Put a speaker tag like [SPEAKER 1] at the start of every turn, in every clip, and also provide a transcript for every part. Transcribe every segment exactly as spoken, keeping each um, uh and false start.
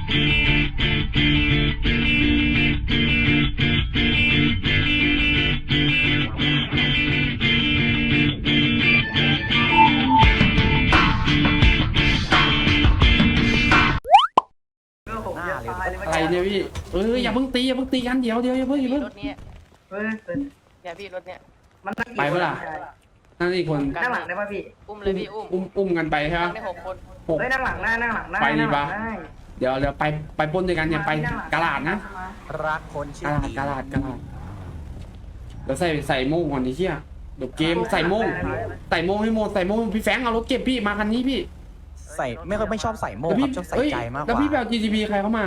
[SPEAKER 1] อะไรเนี่ยพี่เอออย่าเพิ่งตีอย่าเพิ่งตีกันเดี๋ยวเดี๋ยวอย่าเพิ่งอย่าเพิ่ง
[SPEAKER 2] รถเนี้ย
[SPEAKER 3] เฮ้ย
[SPEAKER 2] เนี่ยพี่รถเนี้ย
[SPEAKER 3] มันนั่ง
[SPEAKER 1] ไปเมื่อไหร่นั่นอีกคน
[SPEAKER 3] นั่งหลังได้ป่ะพี่
[SPEAKER 2] อุ้มเลยพี่อุ้ม
[SPEAKER 1] อุ้มอุ้มกันไปใช่ไหม
[SPEAKER 2] นั่งได้หกคน
[SPEAKER 1] หก
[SPEAKER 3] เฮ้ยนั่งหลังได้นั่งหลังได้
[SPEAKER 1] ไปดีปะ
[SPEAKER 3] นั่งหลังได้
[SPEAKER 1] เดี๋ยวเดี๋ยวไปไปปล้นด้วยกันเนี่ยไปกะลาดนะ
[SPEAKER 4] รักคนชื่
[SPEAKER 1] กะ
[SPEAKER 4] อ
[SPEAKER 1] ลาด
[SPEAKER 4] ดี
[SPEAKER 1] กะลาดกะลาดเดี๋ยวใส่ใส่โม่งก่อนดิเชี่ยเดี๋ยวเกมใส่โม่งใส่โม่งให้โม่งใส่โม่งพี่แฟงเอารถเก็บพี่มาคันนี้พี่
[SPEAKER 4] ใส่ไม่ค่อยไม่ชอบใส่โม่
[SPEAKER 1] แล้ว
[SPEAKER 4] ค
[SPEAKER 1] พี่
[SPEAKER 4] รับชอบใส่
[SPEAKER 1] เอ้ย
[SPEAKER 4] ใจมากก
[SPEAKER 1] แล้ว
[SPEAKER 4] ว่า
[SPEAKER 1] พี่แบบ จี ที พี ใครเข้ามา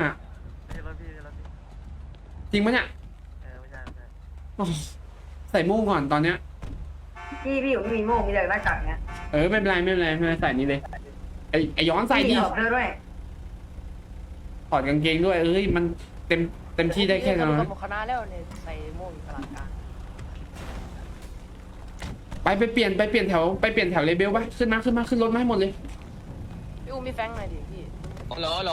[SPEAKER 1] จริงปะเนี่ยอ๋อใส่โม่งก่อนตอนเนี้ย
[SPEAKER 3] พี่พี่ผมไม่มีโม่งมีแต่หน้ากากเนี้ย
[SPEAKER 1] เออไม่เป็นไรไม่เป็นไรไม่เป็นไรใส่นี้เลยไอไอย้อนใส่ดิ
[SPEAKER 3] พี่ออกเดินด้วย
[SPEAKER 1] ถอดกางเกงด้วยเอ้ยมันเต็มเต็มที่ได้แค่นั้น
[SPEAKER 2] กับคณะแล้วเนี่ยใส่โม่งอยู่ตลาดกลาง
[SPEAKER 1] ไปไปเปลี่ยนไปเปลี่ยนแถวไปเปลี่ยนแถวเลเบลไปขึ้นมาขึ้นมาขึ้นรถมาให้หมดเลย
[SPEAKER 2] พี่อุ้มพี่แฟงหน่อยดิพี่
[SPEAKER 5] ฮัลโหลฮัลโหล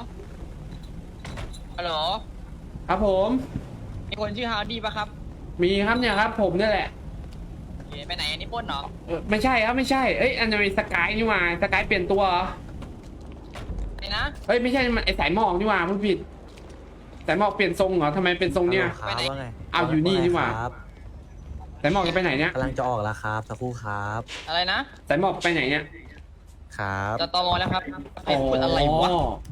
[SPEAKER 5] ฮัลโหล
[SPEAKER 1] ครับผม
[SPEAKER 5] มีคนชื่อฮาวดี้ปะครับ
[SPEAKER 1] มีครับเนี่ยครับผมนี่แหละ
[SPEAKER 5] เอ๊ะไปไหนอันนี้ปล้นเหรอ
[SPEAKER 1] เออไม่ใช่ครับไม่ใช่เอ้ยอันนี้สกายนี่หว่าสกายเปลี่ยนตัวเหรอ
[SPEAKER 5] ไหนนะ
[SPEAKER 1] เอ้ยไม่ใช่มันไอสายหมอกนี่หว่าพูดผิดสายหมอกเปลี่ยนทรงเหรอทำไมเป็นทรงเนี่ย
[SPEAKER 4] ครับว่าไง
[SPEAKER 1] เอาอยู่นี่นี่หว่า
[SPEAKER 4] ครับ
[SPEAKER 1] สายหมอกจะไปไหนเนี่ย
[SPEAKER 4] กำลังจะออกแล้วครับสักครู่ครับ
[SPEAKER 5] อะไรนะ
[SPEAKER 1] สายหมอกไปไหนเนี่ย
[SPEAKER 4] ครับ
[SPEAKER 5] จะตอมอแล้วครับไอ้คนอะไรวะ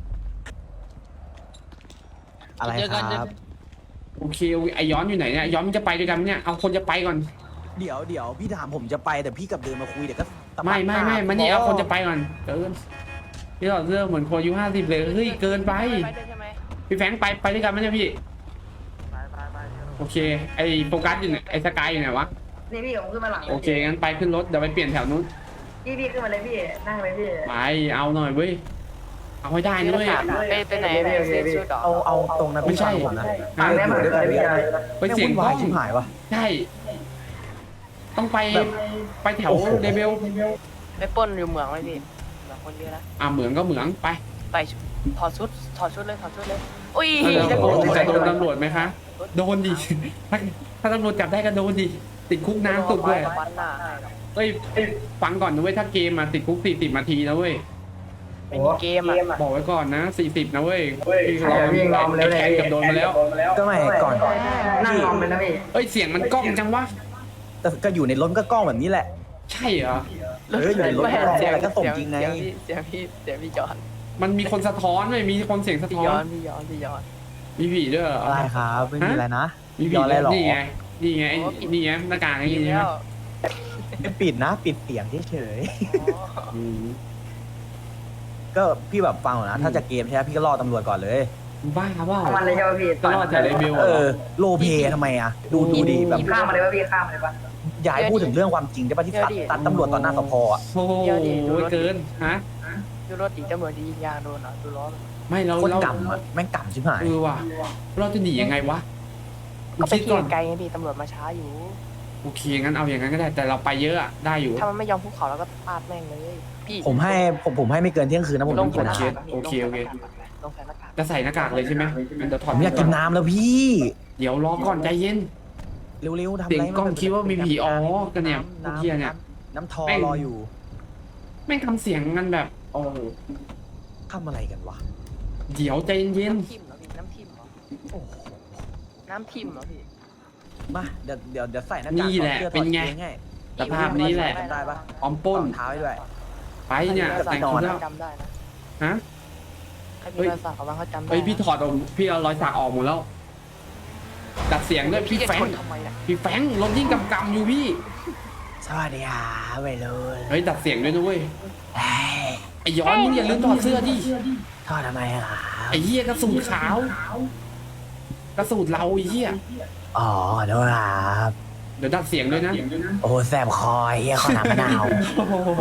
[SPEAKER 4] อะไร
[SPEAKER 5] เจอ
[SPEAKER 4] ค
[SPEAKER 5] กัน
[SPEAKER 4] รับ
[SPEAKER 1] โอเคโอเคไอย้อนอยู่ไหนเนี่ยย้อนมันจะไปด้วยกันไหมเนี่ยเอาคนจะไปก่อน
[SPEAKER 4] เดี๋ยวเดี๋ยวพี่ถามผมจะไปแต่พี่กลับเดินมาคุยเดี๋ยวก็ตะปัด
[SPEAKER 1] ไม่ไม่ไม่
[SPEAKER 4] ห
[SPEAKER 1] มันนี่เอาคนจะไปก่อนเกินพี่หลอดเสื้อเหมือนคนอายุห้าสิบเลยเฮ้ยเกินไป
[SPEAKER 2] ไปด้วยใช่ไหม
[SPEAKER 1] พี่แฟงไปไปด้วยกันไหมเนี่ยพี่โอเคไอโฟกัสอยู่ไหนไอสกายอยู่ไหนวะ
[SPEAKER 3] นี่พี่ผมขึ้นมาหลัง
[SPEAKER 1] โอเคงั้นไปขึ้นรถเดี๋ยวไปเปลี่ยนแถวนู้น
[SPEAKER 3] พี่พี่ขึ้นมาเลยพี่นั่งเลยพี่
[SPEAKER 1] ไปเอาหน่อยเว้ยเอาให้ได้นะเว้ย
[SPEAKER 2] ไปไปไหนไปเซ็นชุดเหรอ
[SPEAKER 4] เอาเอาตรงนั้น
[SPEAKER 1] ไม่ใช่
[SPEAKER 4] ผมนะ
[SPEAKER 3] ฟังได้มาเลยพี่
[SPEAKER 1] ไปเสียง
[SPEAKER 4] วุ่น
[SPEAKER 1] กล้
[SPEAKER 4] วา
[SPEAKER 1] อย ง
[SPEAKER 4] ชิบหายวะ
[SPEAKER 1] ใช่ต้องไปไปแถวเลเบล
[SPEAKER 2] ไปปล้นอยู่เหมืองไหมพี่เหมืองคนเยอะนะ
[SPEAKER 1] อ่าเหมืองก็เหมืองไป
[SPEAKER 2] ไปถอดชุดถอดชุดเลยถอดชุดเลยอุ้ย
[SPEAKER 1] เออ
[SPEAKER 2] จะโกง
[SPEAKER 1] จะโดนตำรวจไหมคะโดนดิถ้าถ้าตำรวจจับได้ก็โดนดิติดคุกนานสุดด้วย
[SPEAKER 2] วันหน้าให้หรอก
[SPEAKER 1] เฮ้ยฟังก่อนนะเว้ยถ้าเกมมาติดคุกสี่สิบนาทีนะเว้ย
[SPEAKER 2] ไม่มีเกมอ่ะ
[SPEAKER 1] บอกไว้ก่อนนะสี่สิบนะเว้ยพี่
[SPEAKER 3] เดี๋ยวพี่งอมเลย
[SPEAKER 1] แกนกับโดนมาแล้ว
[SPEAKER 4] ก็ไม่ก่อน
[SPEAKER 3] นั่งงอมเลยนะพี่
[SPEAKER 1] เอ้ยเสียงมันกล้องจังวะ
[SPEAKER 4] แต่ก็อยู่ในรถก็กล้องแบบนี้แหละ
[SPEAKER 1] ใช่เหรอ
[SPEAKER 4] เอออยู่ในรถ
[SPEAKER 2] ไม่
[SPEAKER 4] ก็
[SPEAKER 2] เสียง
[SPEAKER 4] อะไรก็ส่งจริงไง
[SPEAKER 2] เสียงพี่เสียงพี่เสียงพี่จอน
[SPEAKER 1] มันมีคนสะท้อนไหมมีคนเสียงสะ
[SPEAKER 2] พี่
[SPEAKER 1] ท้อ
[SPEAKER 2] ย้อน นพี่ย้อนพี่ย้อน
[SPEAKER 1] มีผีด้วยเหรอ
[SPEAKER 4] อะไรครับไม่มีอะไรนะ
[SPEAKER 1] มีผี
[SPEAKER 4] ย้อนอะไรหรอ
[SPEAKER 1] นี่ไงนี่ไงไอ้นี่ไงหน้ากากไอ้
[SPEAKER 2] พี่
[SPEAKER 1] นี่
[SPEAKER 2] แล้
[SPEAKER 1] ใช่ไหม
[SPEAKER 2] ว
[SPEAKER 4] ไม่ปิดนะ ปิดเสียงเฉย
[SPEAKER 2] อ๋อ
[SPEAKER 1] อืม
[SPEAKER 4] ๆก็พี่แบบฟังก่อนนะ ถ้าจะเกมใช่ไหมพี่ก็รอตำรวจก่อนเลย
[SPEAKER 1] บ้าเปล่า
[SPEAKER 3] เอามันเลยใช่ป่ะพี่
[SPEAKER 1] ก็รอดแต่เลเบล
[SPEAKER 4] เอ
[SPEAKER 1] เหร
[SPEAKER 4] อ
[SPEAKER 1] อ
[SPEAKER 4] โลเพทำไมอ่ะ ดูดูดิแบบ
[SPEAKER 3] ข้ามมาเลยป่ะพี่ข้ามมาเลยป่ะ
[SPEAKER 4] อย่าให้พูดถึงเรื่องความจริงได้ป่ะที่ตัดตัดตำรวจต่อหน้าสพอ่ะ
[SPEAKER 1] โอ้โหเกินฮะ
[SPEAKER 2] ดูรถอีกตำรวจจะยิงยางโดนเหรอดูล้อ
[SPEAKER 1] ไม่เรา
[SPEAKER 4] โคน
[SPEAKER 1] เรา
[SPEAKER 4] กำอ่ะแม่งกำชิบหาย
[SPEAKER 1] เออว่ะเราจะหนียังไงวะ
[SPEAKER 2] ก็ไป
[SPEAKER 1] คิด
[SPEAKER 2] ขี่
[SPEAKER 1] ก่อน
[SPEAKER 2] ไกลไงพี่ตำรวจมาช้าอยู่
[SPEAKER 1] โอเคงั้นเอาอย่างนั้นก็ได้แต่เราไปเยอะอะได้อยู่
[SPEAKER 2] ถ้ามันไม่ยอมภูเขาเราก็ปาดแม่งเลยพี่
[SPEAKER 4] ผมให้ผมผมให้ไม่เกินเที่ยงคืนนะผม
[SPEAKER 2] ลง
[SPEAKER 4] ทุก
[SPEAKER 2] ใส่
[SPEAKER 4] คน
[SPEAKER 2] หน้า
[SPEAKER 4] นะ
[SPEAKER 2] กาก
[SPEAKER 1] โอเคโอเค
[SPEAKER 2] ลงใส่หน้ากาก
[SPEAKER 1] จะใส่หน้ากากเลยใช่ไหมงั้นเดี๋ยวถ
[SPEAKER 4] ผ
[SPEAKER 1] อด
[SPEAKER 4] มอยากกินน้ำแล้วพี่
[SPEAKER 1] เดี๋ยวรอก่อนใจเย็น
[SPEAKER 4] เร็วๆทำ
[SPEAKER 1] เสียง
[SPEAKER 4] ไร
[SPEAKER 1] กล้องคิดว่ามีผีอ๋อกันเนี่ยพวกเหี้ยเนี่ย
[SPEAKER 4] น้ำทอรออยู่
[SPEAKER 1] แม่งทำเสียงกันแบบโอ้โห
[SPEAKER 4] ทำอะไรกันวะ
[SPEAKER 1] เดี๋ยวใจเย็น
[SPEAKER 2] น้ำทิมเหรอพี่น้ำทิมเหรอ
[SPEAKER 4] โอ้โห
[SPEAKER 2] น้ำทิมเหรอพี่
[SPEAKER 4] มาเดี๋ยวเดี๋ยวเดี๋ยวใส่หน้ากาก
[SPEAKER 1] นี่แหละ
[SPEAKER 4] ถอดสื้อ
[SPEAKER 1] เป็นไง
[SPEAKER 4] ถอดกงให้
[SPEAKER 1] สภาพนี้แหละ
[SPEAKER 4] ได้ปะ
[SPEAKER 1] ออมป้น
[SPEAKER 4] รองเท้าให้ด้วย
[SPEAKER 1] ไปเนี่ยแต่งชุดแล้ว
[SPEAKER 2] จำได้นะ
[SPEAKER 1] ฮะ
[SPEAKER 2] ใครมีรอยสักเขาบ้างเขาจำได้
[SPEAKER 1] เฮ้ยพี่ถอดออกพี่เอารอยสักออกหมดแล้วดัดเสียงด้วยพี่
[SPEAKER 2] จะ
[SPEAKER 1] แฟ
[SPEAKER 2] ช
[SPEAKER 1] ง
[SPEAKER 2] นทำไมอ่ะ
[SPEAKER 1] พี่แฟงรถยิ่งกำกำอยู่พี่
[SPEAKER 4] สวัสดีครับไปเลย
[SPEAKER 1] เฮ้ยดัดเสียงด้วยนะเว้ย
[SPEAKER 4] เฮ้ย
[SPEAKER 1] ไอ้ย้อนมึงอย่าลืมถอดเสื้อดิ
[SPEAKER 4] ทอดทำไมอะครับ
[SPEAKER 1] ไอ้เหี้ยกระสูดขาว กระสูดเราไอ้เหี้ย
[SPEAKER 4] อ๋อขอโทษครับ
[SPEAKER 1] เดี๋ยวดัดเสียงด้วยนะ
[SPEAKER 4] โอ้โหแสบคอเฮียขอน้ำมะนาว
[SPEAKER 1] โอ้โห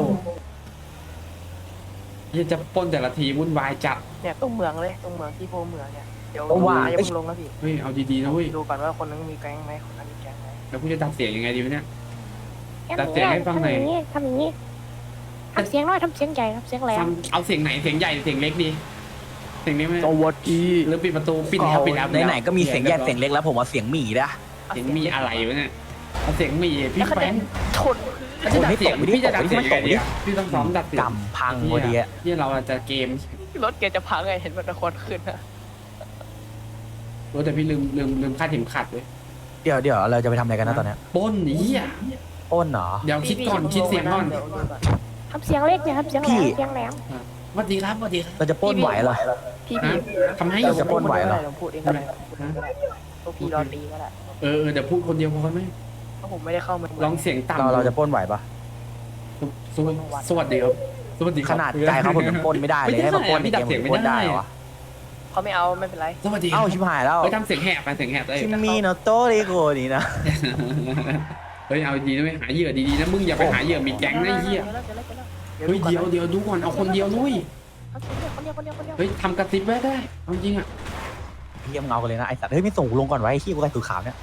[SPEAKER 1] เหี้ยจะปล้นแต่ละทีวุ่นวายจัด
[SPEAKER 2] เนี่ยตรงเมืองเลยตรงเมืองที่โพเมืองเนี่ยเดี๋ยว
[SPEAKER 4] โอ้ว่า
[SPEAKER 2] อย่าเพิ่งลงนะพี่
[SPEAKER 1] เฮ้ยเอาดีๆนะเว้ย
[SPEAKER 2] ดูก่อนว่าคนนึงมีแก๊งไหมคนนั้นมีแก๊งไหม
[SPEAKER 1] แล้วกูจะดัดเสียงยังไงดีวะเนี่ย
[SPEAKER 6] ทำ
[SPEAKER 1] ตัดเสียงให้ฟังหน่อย
[SPEAKER 6] ทำอย่างนี้ทำอย่างนี้ทำเสียงน้อยทำเสียงใหญ่ทำเสียงแหล
[SPEAKER 1] ฟั
[SPEAKER 6] ม
[SPEAKER 1] งเอาเสียงไหนเสียงใหญ่เสียงเล็กดีเสียงนี้ไหม
[SPEAKER 4] สวัสดี
[SPEAKER 1] หรือปิดประตูปิดแล้วปิดแล้ว
[SPEAKER 4] ไหนๆก็มีเสียงแยกเสียงเล็กแล้วผมเอาเสียงหมีนะ
[SPEAKER 1] เสียงมีอะไรวะเนี่ยเอาเสียงมีพี่
[SPEAKER 2] แล้วคะ
[SPEAKER 1] แฟ
[SPEAKER 2] แน
[SPEAKER 1] ง
[SPEAKER 2] นชน
[SPEAKER 1] แล้วจะดัดเสียงพี่จะดัดเสียงยังไงดีอะพี่ต้องซ้อมดัดเสียง
[SPEAKER 4] กำพังพอดีอะ
[SPEAKER 1] ที่เราจะเกม
[SPEAKER 2] รถเกียร์จะพังไงเห็นมันตะควันขึ้นนะ
[SPEAKER 1] รู้แต่พี่ลืมลืมลืมคาดเข็มขัดเลย
[SPEAKER 4] เดี๋ยวเดี๋ยวเราจะไปทำอะไรกันนะตอนเนี้ย
[SPEAKER 1] ปล้นเหี้ย
[SPEAKER 4] ปล้นเหรอ
[SPEAKER 1] เดี๋ยวคิดก่อนคิดเสียงก่อน
[SPEAKER 6] ทำเสียงเล็กอย่าทำเสียงแหล
[SPEAKER 4] พี่
[SPEAKER 6] มเสียงแหลม
[SPEAKER 1] สวัสดีครับสวัสดีครับ
[SPEAKER 4] เราจะปล้นไหวเหรอ
[SPEAKER 2] พี่
[SPEAKER 1] ฮะ
[SPEAKER 2] พี่
[SPEAKER 1] ทำให้
[SPEAKER 4] เราจะปล้นไหวเหรอ
[SPEAKER 2] ผมพูดเองก็ได้พูดเองก็ได้พวกพี่รอตีก็ได้
[SPEAKER 1] เออเออเดี๋ยวพูดคนเดียวพอไหม
[SPEAKER 2] เพราะผมไม่ได้เข้ามา
[SPEAKER 1] ลองเสียงต่ำ
[SPEAKER 4] เราเราจะปล้นไหวปะ
[SPEAKER 1] สวัสสวัสดีครับสวัสดีค
[SPEAKER 4] ข
[SPEAKER 1] รับ
[SPEAKER 4] นาดใจเขาผมยังปล้นไม่ได้เลยให้มาปล้นในเกมผมปล้นได้เหรอ
[SPEAKER 2] เขาไม่เอาไม่เป็นไร
[SPEAKER 1] สวัสดีครั
[SPEAKER 4] เอ้า
[SPEAKER 1] บ
[SPEAKER 4] ชิบหายแล้ว
[SPEAKER 1] เฮ้ยทำเสียงแหบไปเสียงแหบได้
[SPEAKER 4] คิมมี่โนโตริโกนี่นะ
[SPEAKER 1] เฮ้ยเอาดีนะไม่หาเหยื่อดีๆนะมึงอย่าไปหาเหยื่อมีแก๊งนะไอ้เหี้ย
[SPEAKER 2] เดี๋ยวแล้วเดี๋ยวแล้ว
[SPEAKER 1] เฮ้ยเดี๋ยวเดี๋ยวดูก่อนเอาคนเดียวนุ้ย
[SPEAKER 2] เอาเสียงเดียวคนเดียวคนเดียวคนเดียว
[SPEAKER 1] เฮ้ยทำกระซิบไว้ได้เอาจริงอ่ะ
[SPEAKER 4] พี่ยังเงากันเลยนะไอสัตว์เฮ้ยไม่ส่งกูลงก่อนไว้ไอ้ขี้กูใส่ตัวขาวเนี่ย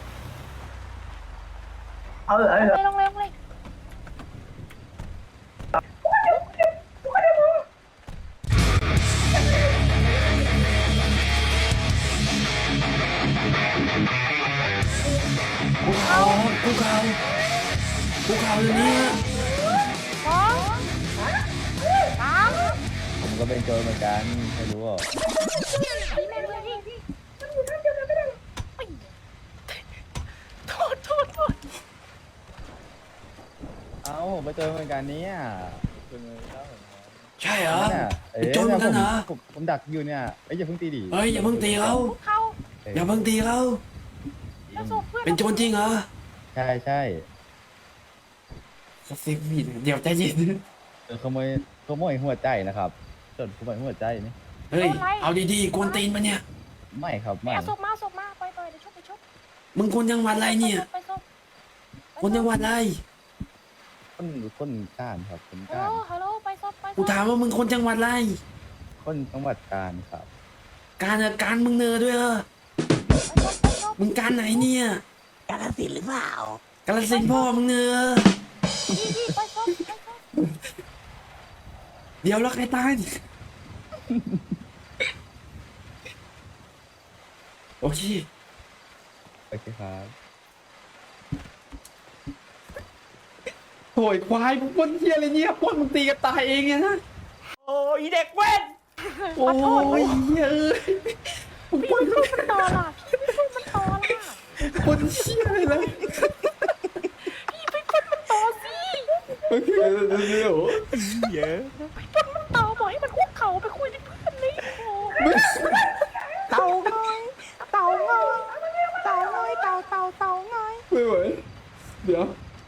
[SPEAKER 3] เอาเออเอาเออ
[SPEAKER 6] ไปลงเลยลงเลย
[SPEAKER 1] กูเขากูเขากูเขาเลยเนี่ย
[SPEAKER 6] สองสาม
[SPEAKER 7] ผมก็เป็นโจรเหมือนกันไม่รู้อ่ะ
[SPEAKER 6] พี่แม่งเลยพี่
[SPEAKER 2] โทษโทษโทษ
[SPEAKER 7] เอ้าผมไปนโจรเหมือนกันเนี่ยคุณเล่าผม
[SPEAKER 1] ใช่เหรอ
[SPEAKER 7] เนี่ยเอ๊ะ
[SPEAKER 1] เป็นโจรเหมือนกันเหรอ
[SPEAKER 7] ผมผมผมดักอยู่เนี่ยเอ้ยอย่าเพิ่งตีดิ
[SPEAKER 1] เฮ้ยอย่าเพิ่งตีเขา
[SPEAKER 6] พวกเขา
[SPEAKER 1] อย่าเพิ่งตีเขา
[SPEAKER 6] แล้วส่งเพื่อน
[SPEAKER 1] เป็นโจรจริงเหรอ
[SPEAKER 7] ใช่ใช่
[SPEAKER 1] กระซิบผิดเดี๋ยวใจเย็น
[SPEAKER 7] เออขโมยขโมยหัวใจนะครับโจรขโมยหัวใจนี่
[SPEAKER 1] เฮ้ยเอาดีๆกวนตีนมาเนี่ย
[SPEAKER 7] ไม่ครับ
[SPEAKER 6] ไม่
[SPEAKER 7] ไม่
[SPEAKER 6] เอาศพมาศพมาปล่อยปล่อยเดี๋ยวชุบไปชุบ
[SPEAKER 1] มึงคนจังหวัดอะไรเนี่ย
[SPEAKER 6] ไปศพ
[SPEAKER 1] คนจังหวัดอะไร
[SPEAKER 7] คนคนก้านครับคน
[SPEAKER 6] ฮัล
[SPEAKER 7] ก้า
[SPEAKER 6] โหล
[SPEAKER 7] น
[SPEAKER 6] ฮัลโหลไปศพไปศพ
[SPEAKER 1] กูถามว่ามึงคนจังหวัดอะไร
[SPEAKER 7] คนจังหวัดกาญครับ
[SPEAKER 1] การอะการมึงเนอด้วยเหรอ
[SPEAKER 6] ไปศพไปศพ
[SPEAKER 1] มึงการไหนเนี่ย
[SPEAKER 4] กาลสินหรือเปล่าก
[SPEAKER 1] าฬสินธุ์พ่อมึงเนอ
[SPEAKER 6] พี่พี่ไปศพไปศพ
[SPEAKER 1] เดี๋ยวแล้วใครตายโอเค
[SPEAKER 7] โอเคครับ
[SPEAKER 1] โอยควายมึงปล้นเฮียอะไรเนี่ยปล้นมึงตีกันตายเองเนี่ยนะ
[SPEAKER 2] โอ้ยเด็กเว้น
[SPEAKER 1] โอ้ยเฮียเอ้ยมึงปล้น
[SPEAKER 6] มันต่อล่ะพี่ไปพูดมันต่อล่ะ
[SPEAKER 1] ปล้นเฮียอะไรเลย
[SPEAKER 6] พี่ไปพูดมันต่อสิ
[SPEAKER 1] โอเคเดี๋ยว
[SPEAKER 4] เยอะ
[SPEAKER 6] พูดมันต่อบอกให้มันคุกเข่าไปคุยกับเพื่อนเลยโอ้ เต่าง้อยเต่าง้อยเต่าง้อยเต่าเต่าเต่าง้อย
[SPEAKER 1] ไม่ไหวเดี๋ยว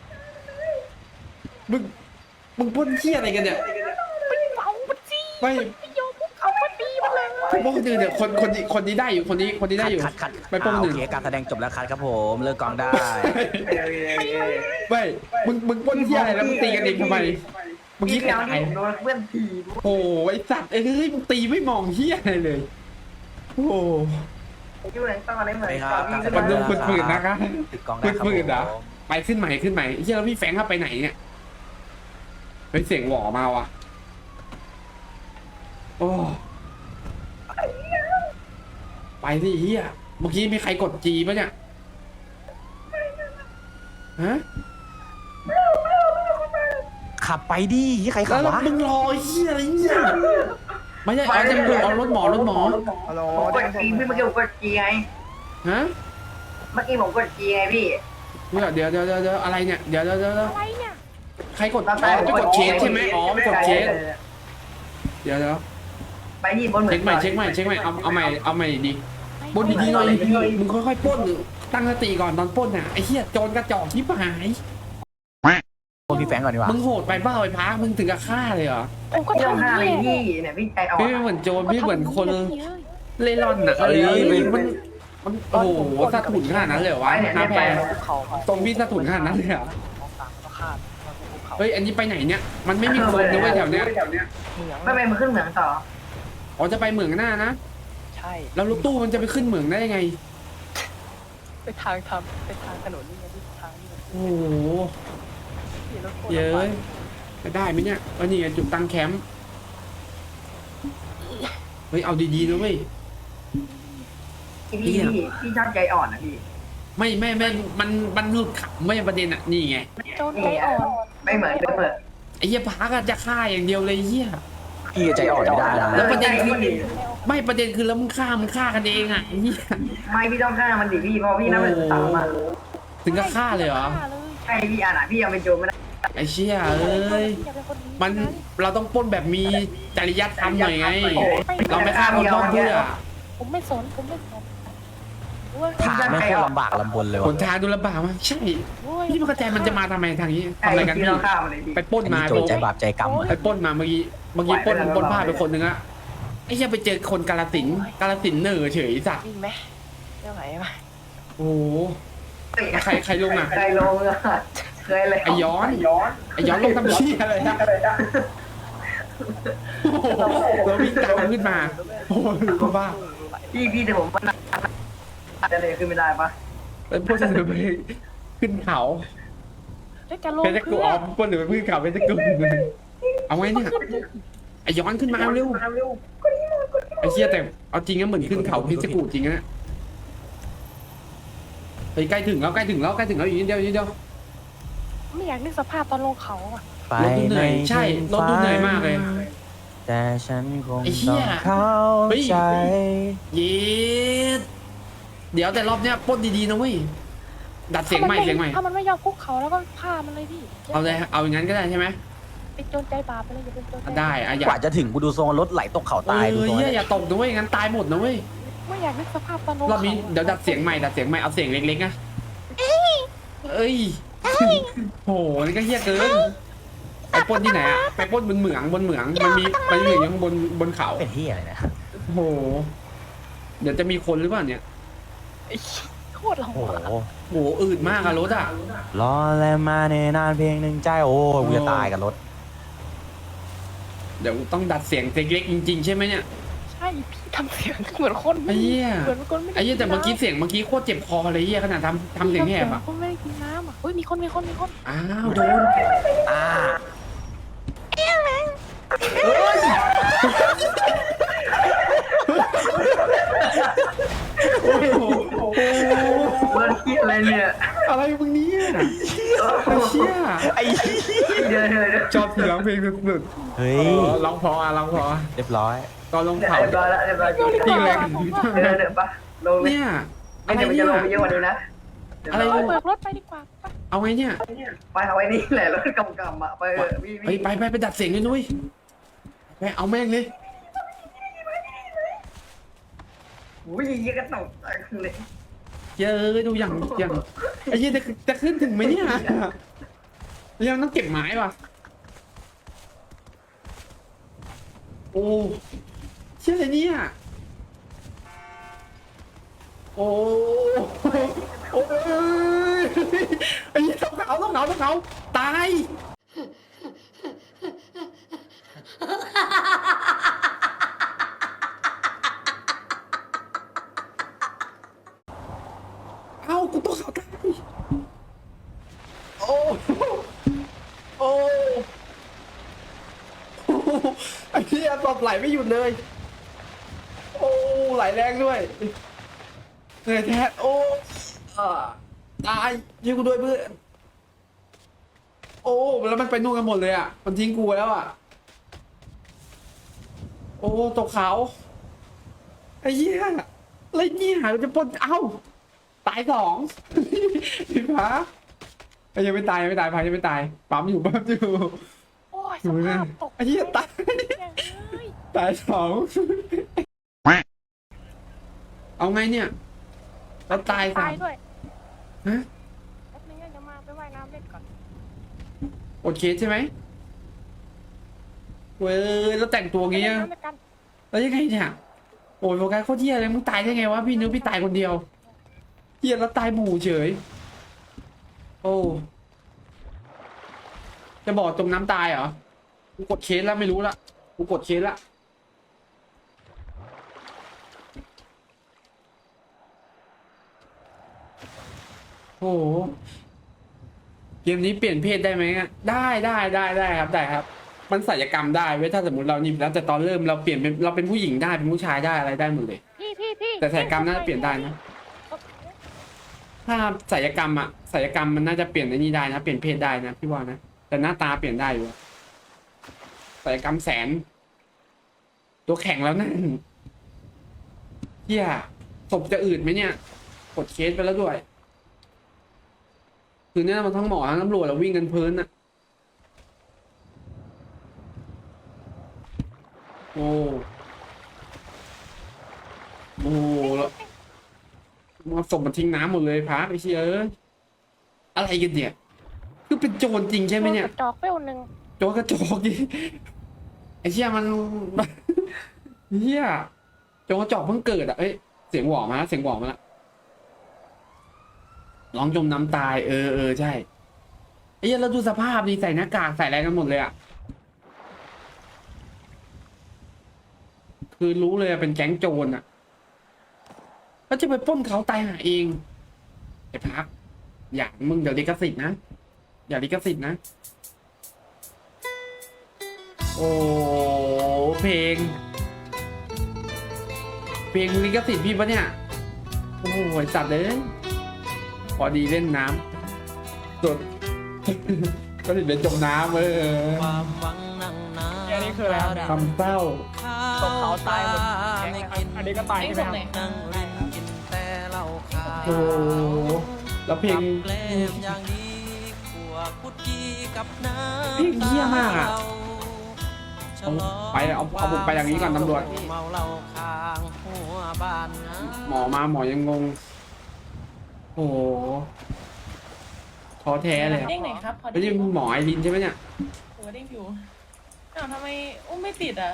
[SPEAKER 1] มึงมึงปล้นเฮียอะไรกันเนี่ย
[SPEAKER 6] ไปเป่ามันสิ
[SPEAKER 1] ไม่
[SPEAKER 6] ไปโยนพวกเขามาตีมันเลย
[SPEAKER 1] ปล้นคนอื่นเนี่ยคนคนนี้คนนี้ได้อยู่คนนี้คนนี้ได้อยู่
[SPEAKER 4] คัดคัด
[SPEAKER 1] ไปปล้น
[SPEAKER 4] อ่า
[SPEAKER 1] คน
[SPEAKER 4] โอ
[SPEAKER 1] อื่น
[SPEAKER 4] เคการแสดงจบแล้วคัดครับผมเลิกกองได้
[SPEAKER 1] ไม่มึงมึงปล้นเฮียอะไรแล้วมึงตีกันเองทำไมมึง
[SPEAKER 3] พี่
[SPEAKER 1] คิด
[SPEAKER 3] เดียว
[SPEAKER 1] อะไร
[SPEAKER 3] นี่ผมโดนเพื่อนถีบ
[SPEAKER 1] โอ้ไอสัตว์เอ้ยมึงตีไม่มองเฮียอะไรเลยโอ้
[SPEAKER 3] อยู่ไหนต่อได้เหมือน
[SPEAKER 4] ไปครับ
[SPEAKER 3] กั
[SPEAKER 1] มันดูฝืนๆนะครับ
[SPEAKER 4] ติดกองได้ครับ
[SPEAKER 1] ฝืนๆนะ
[SPEAKER 4] ผม
[SPEAKER 1] ไปขึ้นใหม่ขึ้นใหม่เฮียแล้วพี่แฟงเข้าไปไหนเนี่ยเฮ้ยเสียงหวอมาว่ะโอ้ไปสิเฮียเมื่อกี้มีใครกดจีปะเนี่ยฮะ
[SPEAKER 4] ขับไปดิที่ใครขั
[SPEAKER 1] แล้
[SPEAKER 4] บ
[SPEAKER 1] ว
[SPEAKER 4] วะ
[SPEAKER 1] มึงรอเฮียอะไรเนี่ยไม่ใช่เอาจะเอารถหมอรถหมอ
[SPEAKER 7] ฮัลโหล
[SPEAKER 3] ผมกดจีพี่เมื่อกี้ผมกดจีไง
[SPEAKER 1] ฮะ
[SPEAKER 3] เมื่อกี้ผมกดจีไงพี่
[SPEAKER 1] เดี๋ยวเดี๋ยวเดี๋ยวเดี๋ยวอะไรเนี่ยเดี๋ยวเดี๋ยวเดี๋ยว
[SPEAKER 6] อะไรเนี่ย
[SPEAKER 1] ใครกดอ๋อไปกดเคสใช่ไหมอ๋อไปกดเคสเดี๋ยวเดี๋ยว
[SPEAKER 3] ไปที่บนเหมือ
[SPEAKER 1] เช็คน ใหม่เช็คใหม่เช็คใหม่เอาเอาใหม่เอาใหม่ดีปล้นดีๆหน่อยมึงค่อยๆปล้นตั้งสติก่อนตอนปล้นน่ะไอ้เหี้ยโจรกระจอกที่หาย
[SPEAKER 4] พวกพี่แฟงก่อนดีกว่า
[SPEAKER 1] มึงโหดไปเปล่าไอ้พักมึงถึงกับฆ่าเลยเหรอ
[SPEAKER 6] ผมก็
[SPEAKER 3] พี่ต้อง
[SPEAKER 6] ทำ
[SPEAKER 3] ห้า
[SPEAKER 6] นี่
[SPEAKER 3] เลย
[SPEAKER 6] แหละ
[SPEAKER 3] พี่เนี่ยพี่ใจอ่อน
[SPEAKER 1] พี่ไม่เหมือนโจรพี่เหมือนคน
[SPEAKER 6] เลย
[SPEAKER 1] เล่ร่อนน่ะเอ้ยมันมันโอ้โหสะถุนขนาดนั้นเลยเหรอวะน้าแพร
[SPEAKER 2] ภูเขามา
[SPEAKER 1] ตรงพี่สะถุนขนาดนั้นเลยเหรอ
[SPEAKER 2] ของกลางก็คาดมาภูเขา
[SPEAKER 1] เฮ้ยอันนี้ไปไหนเนี่ยมันไม่มีคนนะเว้ยแถวเนี้ย
[SPEAKER 2] เหมือง
[SPEAKER 3] ไม่ไปมันขึ้นเหมืองต่อ
[SPEAKER 1] อ๋อจะไปเหมืองหน้านะ
[SPEAKER 2] ใช่
[SPEAKER 1] แล้วรถตู้มันจะไปขึ้นเหมืองได้ยังไง
[SPEAKER 2] ไปทางทำไปทางถนนนี่ไงที่ทางนี่ไง
[SPEAKER 1] โอ้โห
[SPEAKER 2] ที่รถโคตร
[SPEAKER 1] เย้
[SPEAKER 2] ลำบาก
[SPEAKER 1] ยจะได้ไหมเนี่ยวันนี้จุดตั้งแคมป์เฮ้ยเอาดีๆนะเว้ย
[SPEAKER 3] พี่พี่พี่พี่ชอบใจอ่อนนะพี่
[SPEAKER 1] ไม่ไม่ไม่มันมันหลุดขำไม่ประเด็นอ่ะนี่ไง
[SPEAKER 6] โจนใจอ่อน
[SPEAKER 3] ไม่เหมือนไม่เหมือน
[SPEAKER 1] ไอ้เหี้ยพักอะจะฆ่าอย่างเดียวเลยเหี้ย
[SPEAKER 4] พี่ใจอ่อนไม่ได้นะ
[SPEAKER 1] แล้วประเด็น
[SPEAKER 3] ใจ
[SPEAKER 1] คือ
[SPEAKER 3] พี่
[SPEAKER 1] ไม่ประเด็นคือแล้วมึงฆ่ามึงฆ่ากันเองอ่ะไอ้เหี้ย
[SPEAKER 3] ไม่พี่ต้องฆ่ามันดิพี่เพราะพี่น่าเป็นสาวมา
[SPEAKER 1] ถึงกับฆ่าเลยเหรอ
[SPEAKER 6] ฆ่าเลย
[SPEAKER 3] ใช่พี่อ่านอ่ะพี่ยังเป็นโจรไม่ได้
[SPEAKER 1] ไอ้เชี่ยเอ้ย
[SPEAKER 6] อย่าเป็นคนดี
[SPEAKER 1] มันเราต้องปล้นแบบมีจริยธรรมหน่อยไง
[SPEAKER 3] โอ้
[SPEAKER 1] เราไม่ฆ่าคนนอกเพื่อ
[SPEAKER 6] ผมไม่สนผมไม่สนโอ้ย
[SPEAKER 4] ทางไม่โคตรลำบากลำบนเลย
[SPEAKER 1] ห
[SPEAKER 4] ว่ะ
[SPEAKER 1] นทางดูลำบากมากใช่
[SPEAKER 6] โอ้ย
[SPEAKER 1] พี่ไม่เข้าใจมันจะมาทำไมทางนี้
[SPEAKER 3] ใช่
[SPEAKER 1] ทำอะไรกัน
[SPEAKER 3] พี่
[SPEAKER 1] พี่
[SPEAKER 3] ต้องฆ่ามันเลยพี่
[SPEAKER 1] ไปปล้น
[SPEAKER 4] อัน
[SPEAKER 1] มา
[SPEAKER 4] นี้โจรใจบาปใจกรรมอะ
[SPEAKER 1] ไปปล้นมาเมื่อกี้เมื่อกี้ปล้นปล้นผ้าไปคนหนึ่งอะไอ้เหี้ยไปเจอคนกาลสินธุ์กาลสินธุ์เหน่อเฉยสัตว์
[SPEAKER 6] วิ่งไหมเดี๋ยวไหนมา
[SPEAKER 1] โอ้โห ใครใครลงอะ
[SPEAKER 3] ใครลงอะเคยเลย
[SPEAKER 1] ไอ้ย้อนไอ้ย้อนลงทำเชี่ยอะไรนะโอ้โหเราวิ่งตามขึ้นมาโอ้โหบ้า
[SPEAKER 3] พี่พี่แต่ผมมันจะเลยขึ้นไม่ได้ปะ
[SPEAKER 1] แล้วพวกเสนอไปขึ้นเขา
[SPEAKER 6] แล้วจะลง
[SPEAKER 1] เป็นตะกู
[SPEAKER 6] เพื่
[SPEAKER 1] อ
[SPEAKER 6] อ
[SPEAKER 1] อมพวกเหนือขึ้นเขาเป็นตะกูเอาไงเนี่ยไอ้ย้อนขึ้นมาเร็วไอ้เชี่ยแต่เอาจริงนะเหมือนขึ้นเขาพิจิกูจริงนะไปใกล้ถึงแล้วใกล้ถึงแล้วใกล้ถึงแล้วอีกนิดเดียวอีกนิดเดียว
[SPEAKER 6] ไม่อยากนึกสภาพตอนลงเขาอ่ะ
[SPEAKER 4] ไป
[SPEAKER 1] รถดูเหนื่อยใช่รถดูเหนื่อยมากเลย
[SPEAKER 4] แต่ฉันคง
[SPEAKER 1] ไอ้เหี้
[SPEAKER 4] ต้อย งเข้า
[SPEAKER 1] เฮ้ย
[SPEAKER 4] ใจ
[SPEAKER 1] เย็ดเดี๋ยวแต่รอบเนี้ยปล้นดีๆนะเว้ยดัดเสียงใหม่เสียงใหม่
[SPEAKER 6] ถ้ามันไม่ยอมคุกเขาแล้วก็ฆ่ามันเลยพี่
[SPEAKER 1] เอาเลยเอาอย่างนั้นก็ได้ใช่ไหม
[SPEAKER 6] เป็นโจรใจบาปไปเลยอย่าเป็นโจรใจบาป
[SPEAKER 1] ได้อะอยาก
[SPEAKER 4] ว่าจะถึงกูดูทรงรถไหลตกเขา
[SPEAKER 1] เอ
[SPEAKER 4] ตายดู
[SPEAKER 1] อ
[SPEAKER 4] ทรง
[SPEAKER 1] เหี้ย
[SPEAKER 4] เนี่ย
[SPEAKER 1] อย่าตกนะเว้ยงั้นตายหมดนะเว้ย
[SPEAKER 6] ไม่อยากนึกสภาพตอนลง
[SPEAKER 1] รอบ
[SPEAKER 6] เขา
[SPEAKER 1] นี้เดี๋ยวดัดเสียงใหม่ดัดเสียงใหม่เอาเสียงเล็กๆนะเอ้ยโหนี่ก็เฮี้ยเกินไปปล้นที่ไหนอะไปปล้นบนเหมืองบนเหมืองมันมีมันมีเหมืองอยู่ข้างบนบนเขา
[SPEAKER 4] เป็นที่อะไรนะ
[SPEAKER 1] โอ้โหเดี๋ยวจะมีคนหรือเปล่าเนี่ย
[SPEAKER 6] ไอ้โคตรลำ
[SPEAKER 4] โอ้โห
[SPEAKER 6] บาก
[SPEAKER 1] โหอืดมากอะรถอะ
[SPEAKER 4] รอแลมาในนานเพลงหนึ่งใจโอ้ยกูจะตายกับรถ
[SPEAKER 1] เดี๋ยวต้องดัดเสียงเล็กๆจริงๆใช่ไหมเนี่ย
[SPEAKER 6] ใช่พี่ทำเสียงเหมือนคน
[SPEAKER 1] ไอ้เหี้ย
[SPEAKER 6] เหมือนคนไม่ได้
[SPEAKER 1] ไอ้เหี้ยแต่เมื่อกี้เสียงเมื่อกี้โคตรเจ็บคอเลยเหี้ยขนาดทำทำเสียงแหบอะ
[SPEAKER 6] คนไม่ได้กินน้ำอ่ะเฮ้ยมีคนมีคนมีคน
[SPEAKER 1] อ้าวโดน
[SPEAKER 4] อ่า
[SPEAKER 1] โอ้โห
[SPEAKER 3] เบิร์ดคิดอะไรเนี่ย
[SPEAKER 1] อะไรมึงเนี่ยไอ้เชี่ย
[SPEAKER 4] ไอ้
[SPEAKER 3] เดี๋ยวเดี๋ยวเดี๋ยว
[SPEAKER 1] ชอบเสียงเพลงสุด
[SPEAKER 4] เฮ้
[SPEAKER 1] ๆ
[SPEAKER 4] ย
[SPEAKER 1] เออร้องเพออ่ะร้องเพอ
[SPEAKER 4] เรียบร้อย
[SPEAKER 1] ตอนลง
[SPEAKER 3] เรีย
[SPEAKER 1] เขา
[SPEAKER 3] บร้อยแล้วเรียบร้อย
[SPEAKER 1] จริงเลย
[SPEAKER 3] เดี๋ยวเดี๋ยวปะลงเลย
[SPEAKER 1] เนี่ย
[SPEAKER 3] ไม่
[SPEAKER 1] อะไร
[SPEAKER 3] เดี๋ยวมัน
[SPEAKER 1] เนี่ย
[SPEAKER 3] จะลงไปเยอะกว่านี้นะ
[SPEAKER 1] อะไร
[SPEAKER 6] เฮ้ย
[SPEAKER 1] เนี่ย
[SPEAKER 6] เบิกรถไปดีกว่าไป
[SPEAKER 1] เอาไงเนี่ย
[SPEAKER 3] ไปเอาไว้นี่แหละรถกำกำอ่ะไปเออพี่
[SPEAKER 1] ไปไปไปไปดัดเสียงเลยนุ้ยไปเอาแม่งเลย
[SPEAKER 3] วิ่งยี่กระตกเลย
[SPEAKER 1] เยอะดูอย่างอย่างไอ้เหี้ยจะจะขึ้นถึงไหมเนี่ยยังต้องเก็บไม้ป่ะโอ้เชื่ออะไรเนี่ยโอ้โอ้ยไอ้เหี้ยต้องเขาต้องเขาต้องเขาตายเอ้ากูต้องเขาตายโอ้โอ้ไอ้เหี้ยตบไหลไม่หยุดเลยโอ้ไหลแรงด้วยเหนื่อยแท้โอ้อ่าตายยิงกูด้วยเพื่อนโอ้แล้วมันไปนู่นกันหมดเลยอ่ะมันทิ้งกูแล้วอ่ะโอ้ตกเขาไอ้เหี้ยอะไรเนี่ยเราจะปนเอ้าตายสองพี่ฟ้าไอ้ยังไม่ตายยังไม่ตายพายยังไม่ตายปั๊มอยู่ปั๊มอยู่
[SPEAKER 6] โอ้ย
[SPEAKER 1] ดู
[SPEAKER 6] ส
[SPEAKER 1] นะ
[SPEAKER 6] ภาพตก
[SPEAKER 1] ไอ้เหี้ยตาย
[SPEAKER 6] เฮ้ย
[SPEAKER 1] ตายสองเอาไงเนี่ยแล้วตายสา
[SPEAKER 6] ตาม ยด้วย
[SPEAKER 1] ฮะ
[SPEAKER 6] แป๊บนึงนะเดี๋ยวมาไปว่ายน้ำเล่นก่อน
[SPEAKER 1] อดเคสใช่ไหมเว้ยแล้วแต่งตัวงี้
[SPEAKER 6] ไป
[SPEAKER 1] อะ
[SPEAKER 6] เล่นน้ำด้วยกัน
[SPEAKER 1] แล้วยังไงเนี่ยโอ้ยโฟกัสโคตรเหี้ยเลยมึงตายได้ไงวะพี่นึกพี่ตายคนเดียวเหี้ยแล้วตายหมู่เฉยโอ้จะบอกจมน้ำตายเหรอกูกดเคสแล้วไม่รู้ละกูกดเคสละโอ้โหเกมนี้เปลี่ยนเพศได้ไหมอะได้ได้ได้ได้ครับได้ครับมันศัลยกรรมได้เว้ยถ้าสมมติเรานี่แล้วแต่ตอนเริ่มเราเปลี่ยนเป็นเราเป็นผู้หญิงได้เป็นผู้ชายได้อะไรได้หมดเลย
[SPEAKER 6] พี่พี่พี่
[SPEAKER 1] แต่ศัลยกรรมน่าจะเปลี่ยนได้นะ ถ้าศัลยกรรมอะศัลยกรรมมันน่าจะเปลี่ยนในนี้ได้นะเปลี่ยนเพศได้นะพี่ว่านะแต่หน้าตาเปลี่ยนได้อยู่ศัลยกรรมแสน ตัวแข็งแล้วนั่นเฮียศพจะอืดไหมเนี่ยกดเคสไปแล้วด้วยคือเนี่ยมันทั้งหมอทั้งตำรวจเราวิ่งกันเพลินอะโอ้โอ้แล้วมาศพมันทิ้งน้ำหมดเลยพักไอ้เชี่ยเอ้ยอะไรกันเนี่ยคือเป็นโจรจริงใช่ไหมเนี่ย
[SPEAKER 6] กระจอกเป้วหนึ่ง
[SPEAKER 1] โจรกระจอกดิไอ้เชี่ยมันเฮียโจรกระจอกเพิ่งเกิดอ่ะเอ้ยเสียงหวอมาแล้วเสียงหวอมาแล้วร้องจมน้ำตายเออเออใช่ไอ้เหี้ยเราดูสภาพดีใส่หน้ากากใส่อะไรกันหมดเลยอ่ะคือรู้เลยอะเป็นแก๊งโจรอ่ะแล้วจะไปปล้นเขาตายหาเองไอ้พักอย่ามึงเดี๋ยวลิขสิทธิ์นะอย่าลิขสิทธิ์นะโอ้เพลง เพลงลิขสิทธิ์พี่ปะเนี่ยโอ้โหสัตว์เลยพอดีเล่นน้ำสด ก็ถึงเป็นจมน้ำเออ
[SPEAKER 2] อันนี้คืออะไรครับ
[SPEAKER 1] คำเศร้า
[SPEAKER 2] ตกเขาตายหมดแก๊งนะครับอันนี้ก็ตายใช่ไหมครับ
[SPEAKER 1] โอ้โหแล้วเพลงเพลงเหี้ยมากอ่ะเอาไปเอาเอาผมไปอย่างนี้ก่อนตำรวจหมอมาหมอยังงงโอ้โหท้อแท้เลยอะ
[SPEAKER 8] เด้งไหนครับพอ
[SPEAKER 1] ไม่ใช่หมอไอรินใช่ไหมเนี่ย
[SPEAKER 8] หัวเด้งอยู่อ้าวทำไมอุ้มไม่ติดอ่ะ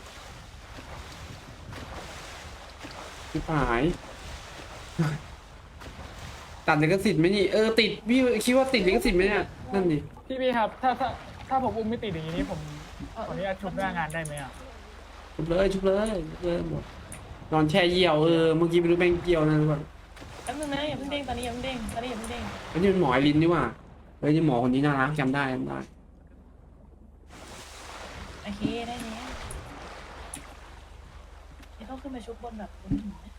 [SPEAKER 1] ชิบหาย ตัดลิขสิทธิ์ไหมนี่เออติดพี่คิดว่าติดลิขสิทธิ์ไหมเนี่ยนั่นดิ
[SPEAKER 2] พี่พี่ครับ ถ้าถ้าถ้าผมอุ้มไม่ติดอย่างนี้นี่ผมขออนุญาตชุบหน้างานได้ไหมอ่ะ
[SPEAKER 1] ชุบเลยชุบเลยชุบเลยหมดนอนแช่เยี่ยวเออเมื่อกี้ไม่รู้แม่งเกี่ยวนะทุกคน
[SPEAKER 8] แป๊บนึงนะอย่าเพิ่งเด้งตอนนี้อย่าเพิ่งเด้งตอนนี้อย่าเพิ่งเด้ง
[SPEAKER 1] อันนี้เป็นหมอไอรินนี่หว่าเฮ้ยนี่หมอคนนี้น่ารักจำได้จำได้
[SPEAKER 8] โอเคได้แล้วเดี๋ยวต้องขึ้นมาชุบบนแบบบนหินนะ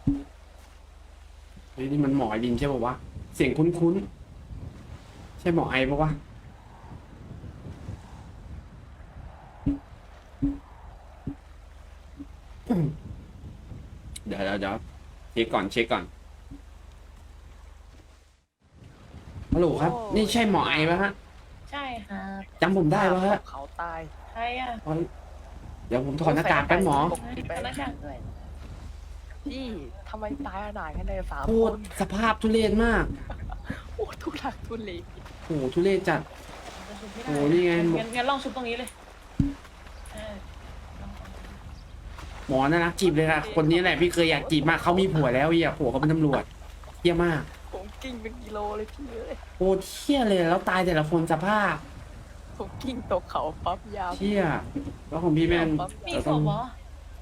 [SPEAKER 1] เฮ้ยนี่มันหมอไอรินใช่ป่าวะเสียงคุ้นๆใช่หมอไอป่าวะเดี๋ยวเดี๋ยวเดี๋ยวเช็คก่อนเช็คก่อนฮัลโหลครับ นี่ใช่หมอไอป่ะฮะ
[SPEAKER 8] ใช่ครับ
[SPEAKER 1] จำผมได้ป่ะฮะ
[SPEAKER 2] เขาตาย
[SPEAKER 8] ใครอ่ะ
[SPEAKER 1] อ๋อเดี๋ยวผมถอดหน้ากากแป๊บหมอ
[SPEAKER 8] พนักงานด้วย
[SPEAKER 2] พี่ทำไมตายขนาดกันเลยสาม
[SPEAKER 1] โค
[SPEAKER 2] ค
[SPEAKER 1] ตร
[SPEAKER 2] น
[SPEAKER 1] สภาพทุเรศมาก
[SPEAKER 2] โอ้ทุลักทุเล
[SPEAKER 1] โอ้โหทุเรศจัด
[SPEAKER 8] จะชุบไม่ได้
[SPEAKER 1] โอ้นี่ไง
[SPEAKER 8] งั้นงั้นลองชุบตรงนี้เลยเออลอง
[SPEAKER 1] หมอน่ารักจีบเลยค่ะคนนี้แหละพี่เคยอยากจีบมากเขามีผัวแล้วเฮียผัวเขาเป็นตำรวจเฮี้ยมาก
[SPEAKER 2] ผมกิ้งเป็นกิโลเลยพี่เอ้ย
[SPEAKER 1] โอ้เที่ยเลยแล้วตายแต่ละคนสภาพ
[SPEAKER 2] ผมกิ้งตกเขาปั๊บยาว
[SPEAKER 1] เที่ยแล้วของพี่แม่น
[SPEAKER 8] มี
[SPEAKER 1] เรา
[SPEAKER 8] ศ
[SPEAKER 1] ต้อง
[SPEAKER 8] พเหรอ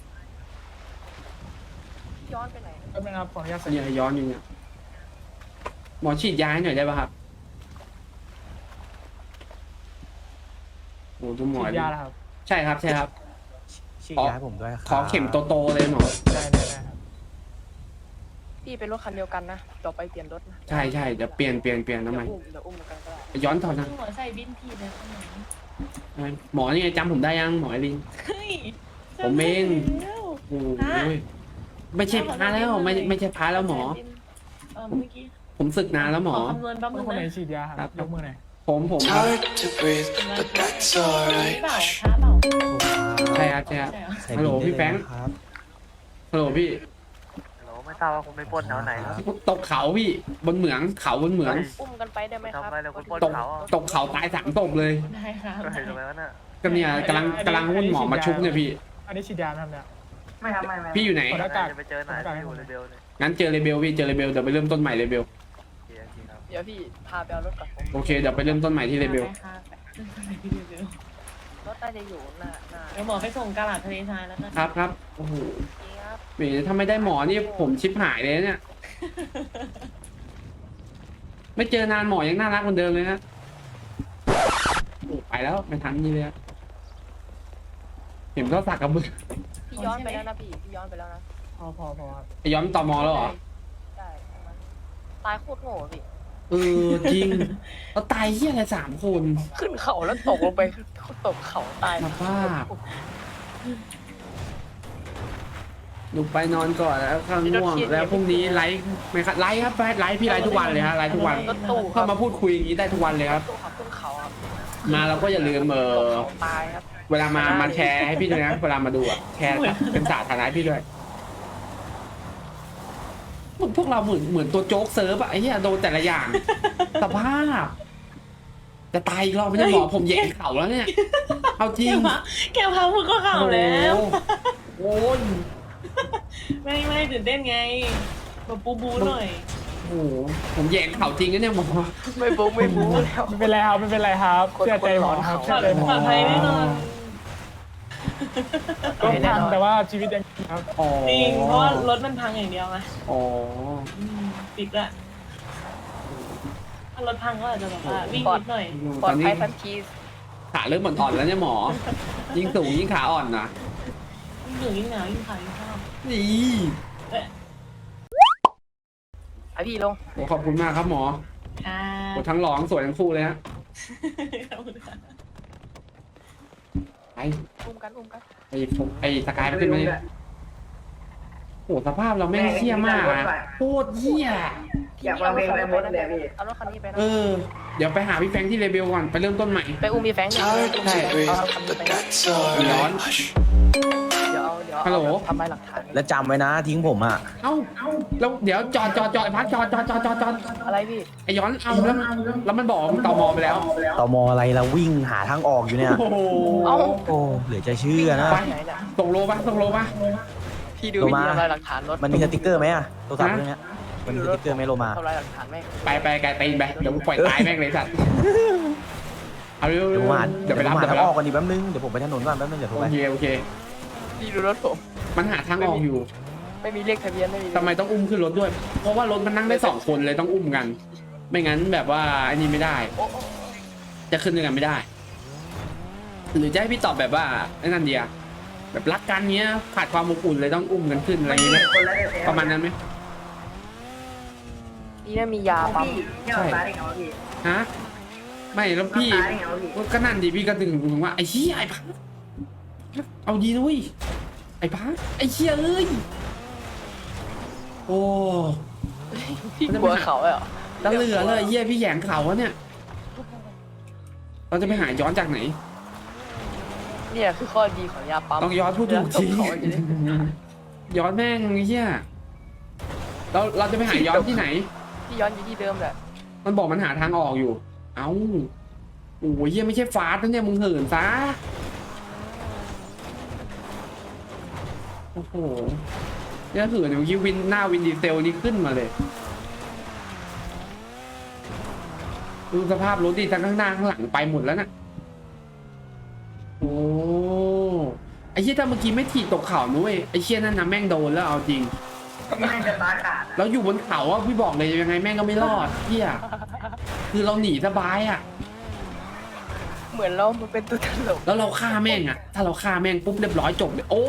[SPEAKER 2] ย้อนไปไหนแป๊บนึงครับขออนุญาตใส่
[SPEAKER 1] เนี่ยย้อนอยู่เนี่ยหมอฉีดยาให้หน่อยได้ป่ะครับโอ้ดูหมอ
[SPEAKER 2] ฉีดยาแล้วครับ
[SPEAKER 1] ใช่ครับใช่ครับ
[SPEAKER 4] ชี้ย้ายผมด้วยครับ
[SPEAKER 1] ขอเข็มโตๆเลยหมอ
[SPEAKER 2] ได้ได้ได้ครับ
[SPEAKER 6] พี่เป็นรถคันเดียวกันนะต่อไปเปลี่ยนรถนะ
[SPEAKER 1] ใช่ใช่เดี๋ยวเปลี่ยนเปลี่ยนเปลี่ยนทำไม
[SPEAKER 6] เดี๋ยวอุ้มเดี๋ยวอุ้มกันก็ได้
[SPEAKER 1] ย้อนถอดนะ
[SPEAKER 8] หัวใส่บินทีเลยคนไหน
[SPEAKER 1] หมอนี่ไงจำผมได้ยังหมอไอริน
[SPEAKER 8] เฮ้ย
[SPEAKER 1] ผมเอง
[SPEAKER 8] แล้ว
[SPEAKER 1] โอ้ยไม่ใช่พระแล้วไม่ไม่ใช่พระแล้วหมอ
[SPEAKER 8] เออเมื่อกี้
[SPEAKER 1] ผมศึกนานแล้วหมอ
[SPEAKER 8] ขอคำนวณแป๊บนึง
[SPEAKER 2] คนไหน
[SPEAKER 8] นะ
[SPEAKER 2] ฉีดยาครับยกมือหน่อย
[SPEAKER 1] ผมผม
[SPEAKER 9] It's hard to breathe, but that's
[SPEAKER 8] เปล่า
[SPEAKER 9] alright.
[SPEAKER 8] ท้าเปล่า
[SPEAKER 1] ใช่ครับใช่ครับ
[SPEAKER 8] ใช่เหรอ
[SPEAKER 4] ใส่
[SPEAKER 1] ฮัลโหล
[SPEAKER 4] บินได้
[SPEAKER 1] พี่แฟรงค์
[SPEAKER 4] เลยนะครับ
[SPEAKER 1] ฮัลโหลพี่
[SPEAKER 10] ไม่ทราบว่าคุณไปปล้นแถวไหนครับ
[SPEAKER 1] ตกเขาพี่บนเหมืองเขาบนเหมือง
[SPEAKER 6] อุ้มกันไปได้ไหมครับ
[SPEAKER 10] ทำอะไรแล้วคุณปล้น
[SPEAKER 1] ตก
[SPEAKER 10] เขาอ่ะ
[SPEAKER 1] ตกเขาตายสามศพเลย
[SPEAKER 8] ได้ครับ
[SPEAKER 10] ก็เห็นไหมวะน่ะ
[SPEAKER 1] ก็เนี่ยกำลังกำลังวุ่นหมอมาชุบเนี่ยพี่
[SPEAKER 2] อันนี้ฉีดยาไหมครับเนี่ย
[SPEAKER 3] ไม่ครับไม่ไม่
[SPEAKER 1] พี่อยู่ไหน
[SPEAKER 2] ขอหน้ากาก
[SPEAKER 10] จะไปเจอไหนที่อยู่ในเบลเนี่ย
[SPEAKER 1] งั้นเจอเลเบลพี่เจอเลเบลเดี๋ยวไปเริ่มต้นใหม่เลเบล
[SPEAKER 10] โอเคโอเคครับ
[SPEAKER 6] เดี๋ยวพี่พาไปเอารถก่อนผม
[SPEAKER 1] โอเคเดี๋ยวไปเริ่มต้นใหม่ที่เลเบล
[SPEAKER 8] ได้ครับเดี๋ยว
[SPEAKER 6] รถน่าจะอยู่หน้าหน้า
[SPEAKER 8] เดี๋ยวหมอไปส่งกาลาดทะเลทรายแล้วกัน
[SPEAKER 1] ครับครับโอ้โห
[SPEAKER 6] นี่ครับ
[SPEAKER 1] แหมถ้าไม่ได้หมอนี่ผมชิบหายเลยเนี่ย ไม่เจอนานหมอยังน่ารักเหมือนเดิมเลยนะโอ้ไปแล้วไม่ทันนี่เลยอะเห็นเขาสักกับมือ
[SPEAKER 2] พี่ย้อนไปแล้วนะพี่พี่ย้อนไปแล้วนะ
[SPEAKER 3] พอพอพอ
[SPEAKER 1] ไอ้ย้อนตอมอแล้วเหรอ
[SPEAKER 2] ใช่ตายโคตรโง่พี่
[SPEAKER 1] เออจริงเราตายเฮียอะไรสามคน
[SPEAKER 2] ขึ้นเขาแล้วตกลงไปตกเขาตาย
[SPEAKER 1] สภาพหนูไปนอนก่อนแล้วข้างง่วงแล้วพรุ่งนี้ไลฟ์ไหมครับไลฟ์ครับไลฟ์พี่ไลฟ์ทุกวันเลยฮะไลฟ์ทุกวัน
[SPEAKER 2] รถตู้ค
[SPEAKER 1] เข้า
[SPEAKER 2] รับ
[SPEAKER 1] มาพูดคุยอย่างนี้ได้ทุกวันเลยครับ
[SPEAKER 2] ตู้ขับขึ้นเขาครับ
[SPEAKER 1] มาเราก็อย่าลืมเอ
[SPEAKER 2] ตก
[SPEAKER 1] อ
[SPEAKER 2] เขาตายครับ
[SPEAKER 1] เวลามามาแชร์ให้พี่ด้วยนะเวลามาดูอะแชร์เป็นสาธารณะให้พี่ด้วยพวกเราเหมือนเหมือนตัวโจ๊กเซิร์ฟอะไอ้เหี้ยโดนแต่ละอย่าง สภาพจะตายอีกรอบไม่ได้หมอผมแย่เข่าแล้วเนี่ยเอาจริ
[SPEAKER 8] แก
[SPEAKER 1] ง
[SPEAKER 8] พาแกพาพูดก็ข่าวแล้ว
[SPEAKER 1] โอ้ย
[SPEAKER 8] ไม่ไม่ตื่นเต้นไงมาปูบูหน่อย
[SPEAKER 1] โอ้โหผมแย่เข่าจริงนะเนี่ยหมอ
[SPEAKER 2] ไม่บู๊ไม่บู๊แล้ว
[SPEAKER 6] ไม่เป็นไรครับไม่เป็นไรครับเชื่อใจหมอครับ
[SPEAKER 8] ป
[SPEAKER 6] เชื่
[SPEAKER 8] ล
[SPEAKER 6] อ
[SPEAKER 8] อด
[SPEAKER 6] ใจหมอ
[SPEAKER 8] ปลอดภัยแน่นอน
[SPEAKER 6] รถพังแต่ว่าชีวิตยังครับ
[SPEAKER 1] อ๋อ
[SPEAKER 8] จริงเพราะว่ารถมันพังอย่างเดียวไง
[SPEAKER 1] อ๋อ
[SPEAKER 8] อืมปิดละถ้ารถพังก็อาจจะแบบว่าวิ่งนิดหน่อย
[SPEAKER 2] ปลอดภัยทันที
[SPEAKER 1] ขาเริ่มอ่อนๆแล้วเนี่ยหมอ ยิ่งสูงยิ่งขาอ่อนนะ
[SPEAKER 8] ยิ่งเหนื่อยยิ่งหนาวยิ่งขายยิ่งชอบ
[SPEAKER 1] นี่
[SPEAKER 2] ไอพี่ลง
[SPEAKER 1] โอ้ขอบคุณมากครับหมอ
[SPEAKER 8] ค่ะ
[SPEAKER 1] โอ้ทั้งหลอทั้งสวยทั้งคู่เลยฮะ
[SPEAKER 8] ขอบคุณค่ะ
[SPEAKER 1] ไป
[SPEAKER 2] อุ้มกันอุ้มกัน
[SPEAKER 1] ไอ้ผมไอ้สกายมันขึ้นมาดิโอ้สภาพเราไม่งเหี้ยมากอะโคตรเหี้ย
[SPEAKER 3] อยากฟังเพลงอะไรหมดเลยพี่
[SPEAKER 2] เอารถคันนี้ไปนะ
[SPEAKER 1] เออ เดี๋ยวไปหาพี่แฟรงค์ที่เรเบลก่อน ไปเริ่มต้นใหม่
[SPEAKER 2] ไปอุ้มมีแฟงค์ดิ
[SPEAKER 9] Hard to
[SPEAKER 2] เอา
[SPEAKER 9] breathe,
[SPEAKER 2] เอาคันนี้
[SPEAKER 9] but
[SPEAKER 2] ไปนะ
[SPEAKER 9] that's alright. Hush.
[SPEAKER 2] เดี๋ยวเอาเดี๋ยว
[SPEAKER 1] ฮัลโหล
[SPEAKER 2] เอาทำลายหลักฐาน
[SPEAKER 4] แล้วจำไว้นะทิ้งผมอ่ะ
[SPEAKER 1] เอ้าแล้วเดี๋ยวจอดจอดจอดไอ้พักจอดจอดจอดจอดจอด
[SPEAKER 2] อะไรพี่
[SPEAKER 1] ไอ้ย้อนเอาแล้วแล้วมันบอกว่ามันต่อมอไปแล้ว
[SPEAKER 4] ตมอะไรเราวิ่งหาทางออกอยู่เนี่ย
[SPEAKER 1] โอ้โห
[SPEAKER 2] เอ้า
[SPEAKER 4] โอ้เหลือจะเชื่อนะ
[SPEAKER 1] ไป
[SPEAKER 2] ไหนเนี่ย
[SPEAKER 1] ส่งโลปะส่งโลปะ
[SPEAKER 2] พี่ดู
[SPEAKER 4] ลง
[SPEAKER 2] วิ
[SPEAKER 4] มา
[SPEAKER 2] ธีทำลายหลักฐานรถ
[SPEAKER 4] มันมีสติกเกอร์ไหมอะโทรศัพท์เครื่องเนี้ยมันมีสติกเกอร์ไหมโลมา
[SPEAKER 2] ทำลายหลักฐานไหม
[SPEAKER 1] ไปไปไกลตีนไปเดี๋ยวกูปล่อยตายแม่งเลยสัตว์เอาเร็ว
[SPEAKER 4] เดี๋ยวผมหา
[SPEAKER 1] เดี๋ยวไปรับ
[SPEAKER 4] ผมหา
[SPEAKER 1] เดี๋ยว
[SPEAKER 4] ทา
[SPEAKER 1] ไป
[SPEAKER 4] งอ
[SPEAKER 1] รั
[SPEAKER 4] อบ กก่อนดิแป๊บนึงเดี๋ยวผมไปถนนก่อนแป๊บนึงเดี๋ยวโทร
[SPEAKER 1] โอ
[SPEAKER 4] ไป
[SPEAKER 1] เคโอเค
[SPEAKER 2] พี่ดูรถผม
[SPEAKER 1] มันหาทางออกอยู่
[SPEAKER 2] ไม่มีเลขทะเบียนไม่มี
[SPEAKER 1] ทำไมต้องอุ้มขึ้นรถด้วย เพราะว่ารถมันนั่งได้สองคนเลยต้องอุ้มกัน ไม่งั้นแบบว่าอันนี้ไม่ได้
[SPEAKER 2] โอ้โอ้
[SPEAKER 1] จะขึ้นด้วยกันไม่ได้ หรือจะให้พี่ตอบแบบว่าไอ้นั่นเดียแบบรักกันเนี้ยขาดความอบอุ่นเลยต้องอุ้มกันขึ้นอะไรอย่างเงี้ย
[SPEAKER 3] คนละเด
[SPEAKER 1] ประมาณนั้นไหม
[SPEAKER 2] นี่น่ามียาปั๊ม
[SPEAKER 3] พี่ที่เราตายได้ไงวะพี่
[SPEAKER 1] ฮะไม่แล้วพี่
[SPEAKER 3] ตายได้ไงวะพี่
[SPEAKER 1] ก็นั่นดิพี่ก็ถึงถึงว่าไอ้เหี้ยไอ้พักเอาดีนุ้ยไอ้พักไอ้เหี้ยเอ้ยโอ้
[SPEAKER 2] พี่กลัวเขาเหรอ
[SPEAKER 1] แล้วเหลือเลยเหี้ยพี่แหยงเขาวะเนี่ยเราจะไปหาย้อนจากไหน
[SPEAKER 2] เนี่ยคือข้อดีของยาปั๊ม
[SPEAKER 1] ต้องย้อนพูดถูกที
[SPEAKER 2] เขาอยู่ดิ
[SPEAKER 1] ย้อนแม่งไอ้เหี้ยเราเราจะไปหาย้อนที่ไหน
[SPEAKER 2] พี่ย้อนอยู่ที่เดิมแหละ
[SPEAKER 1] มันบอกมันหาทางออกอยู่ เอ้าโอ้ยเหี้ยไม่ใช่ฟาสต์นะเนี่ยมึงเหินซะโอ้โหเนี่ยเหินเดี๋ยวกี้วินหน้าวินดีเซลนี่ขึ้นมาเลยดูสภาพรถดิทั้งข้างหน้าข้างหลังไปหมดแล้วน่ะโอ้ไอ้เชี่ยถ้าเมื่อกี้ไม่ถีบตกเขานุ้ยไอ้เชี่ยนั่นนะแม่งโดนแล้วเอาจริง
[SPEAKER 3] แม่งจะตายขาด
[SPEAKER 1] แล้วอยู่บนเขาอ่ะพี่บอกเลยยังไงแม่งก็ไม่รอดเฮียคือเราหนีสบายอ่ะ
[SPEAKER 2] เหมือนเรามันเป็นตัวตลก
[SPEAKER 1] แล้วเราฆ่าแม่งอ่ะ ถ้าเราฆ่าแม่งปุ๊บเรียบร้อยจบเลยโอ้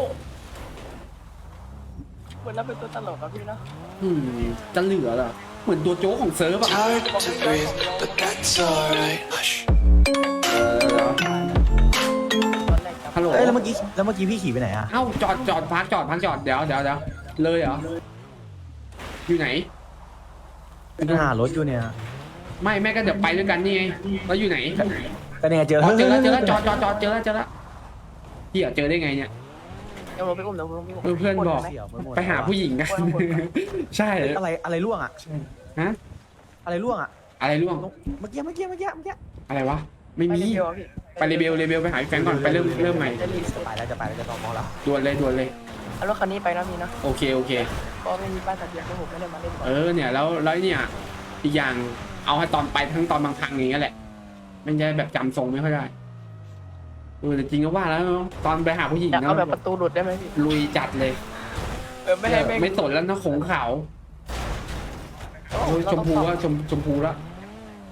[SPEAKER 2] เหมือนเราเป็นตัวตลกอะพี่เนาะ
[SPEAKER 1] อืมจะเหลือเหรอเหมือนตัวโจ๊กของเซิร์ฟอ่ะ
[SPEAKER 9] Hard to breathe, but that's alright. Hush.
[SPEAKER 1] เออ
[SPEAKER 2] ตอนแรกจำ
[SPEAKER 1] ฮัลโหล
[SPEAKER 4] เอ้ยแล้วเมื่อกี้แล้วเมื่อกี้พี่ขี่ไปไหนอะ
[SPEAKER 1] เอ้าจอดจอดพักจอดพักจอดเดี๋ยวเดี๋ยวเดี๋ยวเลยเหรออยู่ไหน
[SPEAKER 4] หารถอยู่เนี่ย
[SPEAKER 1] ไม่แม่ก็เดี๋ยวไปด้วยกันนี่ไงแล้วอยู่ไหน
[SPEAKER 4] ก็เนี่ยเจอ
[SPEAKER 1] อ๋อเจอแล้วเจอแล้วจอดจอดจอดเจอแล้วเจอแล้วเฮียเจอได้ไงเนี่ย
[SPEAKER 2] เดี๋ยวเราไปอุ้มเดี๋ยวเราไปอุ้ม
[SPEAKER 1] เออเพื่อนบอก
[SPEAKER 4] เสี่ยวไปมด
[SPEAKER 1] ไปหาผู้หญิงกัน ใช่
[SPEAKER 4] อะไรอะไรร่วงอะ
[SPEAKER 1] ฮะ
[SPEAKER 4] อะไรร่วงอะ
[SPEAKER 1] อะไรร่วง
[SPEAKER 4] เมื่อกี้เมื่อกี้เมื่อกี้เมื่อกี้
[SPEAKER 1] อะไรวะไม่
[SPEAKER 2] ไป
[SPEAKER 1] มี
[SPEAKER 2] เดียวอะพี่
[SPEAKER 1] ไปเรเบลเรเบลไปหาพี่แฟรงก์ก่อนไปเริ่มเริ่มใหม่
[SPEAKER 2] จะรีบ
[SPEAKER 4] จะไปแล้วจะไปแล้วจะต้องมองแล้ว
[SPEAKER 1] ด่วนเลยด่วนเลย
[SPEAKER 2] เอารถคันนี้ไปนะพี่นะ
[SPEAKER 1] โอเคโอเค
[SPEAKER 2] ก็ไม่มีป้ายทะเบียนเพราะผมไม่ได้มาเล่นบอ
[SPEAKER 1] เอ
[SPEAKER 2] ล
[SPEAKER 1] อเนี่ยแล้วแล้วเนี่ยอีกอย่างเอาให้ตอนไปทั้งตอนบางครั้งอย่างเงี้ยแหละมันจะแบบจำทรงไม่ค่อยได้เออแต่จริงก็ว่าแล้วตอนไปหาผู้หญิง
[SPEAKER 2] อยาก
[SPEAKER 1] นะ
[SPEAKER 2] เอาแบบประตูหลุดได้ไหมพี่
[SPEAKER 1] ลุยจัดเลย
[SPEAKER 2] เออไม่ให้แม่ง
[SPEAKER 1] ไม่สนแล้วนะขงขาวโอ้ยชมพูว่าชมชมพูแล้ว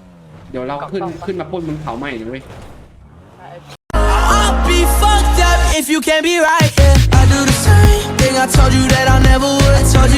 [SPEAKER 1] เดี๋ยวเราขึ้นขึ้นมาปล้นบนเขาใหม่นะเว้ย
[SPEAKER 2] ใช่
[SPEAKER 9] I'll be fucked up if you can't be right, yeah. I do the same thing I told you that I never would. I told you